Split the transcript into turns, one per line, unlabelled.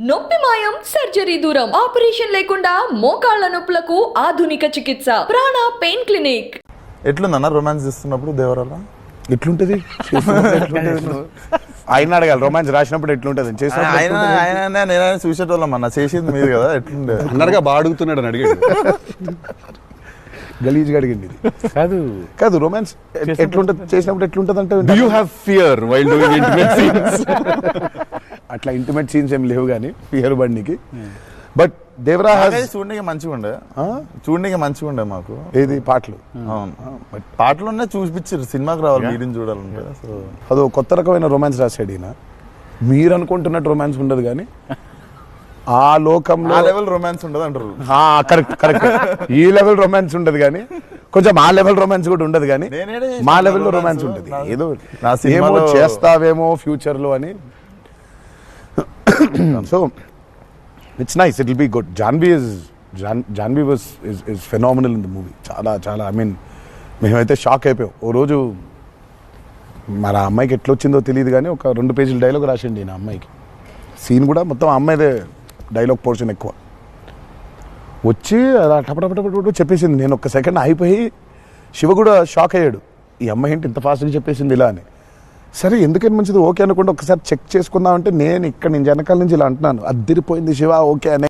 నొప్పి మాయం, సర్జరీ దూరం, ఆపరేషన్ లేకుండా మోకాళ్ల నొప్పులకు ఆధునిక చికిత్స ప్రాణ పెయిన్ క్లినిక్.
ఎట్లుందన్న రొమాన్స్ చేస్తున్నప్పుడు దేవరాల
ఎట్లుంటది ఆయన అడగాలి. రొమాన్స్ రాసినప్పుడు ఎట్లుంటది
నేనైనా చూసేటోళ్ళం అన్న, చేసేది మీరు కదా, ఎట్లుండే
అన్నగా బాగా అడుగుతున్నాడు అని అడిగాడు.
గలీజ్గా అడిగింది ఇది. కాదు కాదు రొమాన్స్ ఎట్లుంటది, చేసినప్పుడు ఎట్లుంటది అంటే
Do you have fear while doing intimate scenes?
అట్లా ఇంటిమేట్ సీన్స్ ఏం లేవు కానీ ఫియర్ బండికి. బట్ దేవరా
చూడడానికి మంచిగా ఉండే మాకు
ఏది పాటలు.
అవును, పాటలున్నా చూపించారు, సినిమాకి రావాలి మీరిని చూడాలంటే. సో
అదో కొత్త రకమైన రొమాన్స్ రాశాడు ఈయన. మీరు అనుకుంటున్నట్టు రొమాన్స్ ఉండదు కానీ ఆ లోకంలో
లెవెల్ రొమాన్స్ ఉండదు అంటారు.
Correct correct. ఈ లెవెల్ రొమాన్స్ ఉండదు కానీ కొంచెం ఆ లెవెల్ రొమాన్స్ కూడా ఉండదు కానీ మా లెవెల్లో రొమాన్స్ ఉంటుంది. ఏదో ఏమో చేస్తావేమో ఫ్యూచర్ లో అని. So it's nice, it will be good. Janhvi was is phenomenal in the movie. చాలా చాలా ఐ మీన్ మేమైతే షాక్ అయిపోయాం. ఓ రోజు మరి ఆ అమ్మాయికి ఎట్లా వచ్చిందో తెలియదు కానీ ఒక 2 పేజీల డైలాగ్ రాసిండి నా అమ్మాయికి. సీన్ కూడా మొత్తం ఆ అమ్మాయిదే డైలాగ్ పోర్షన్ ఎక్కువ. వచ్చి అలా టపటపటపట చెప్పేసింది. నేను ఒక్క సెకండ్ అయిపోయి శివ కూడా షాక్ అయ్యాడు, ఈ అమ్మాయి ఏంటి ఇంత ఫాస్ట్గా చెప్పేసింది ఇలా అని. సరే ఎందుకని మంచిది ఓకే అనుకుంటే ఒకసారి చెక్ చేసుకుందామంటే నేను వెనకాల నుంచి ఇలా అంటున్నాను, అద్దిరిపోయింది శివ ఓకే అనే.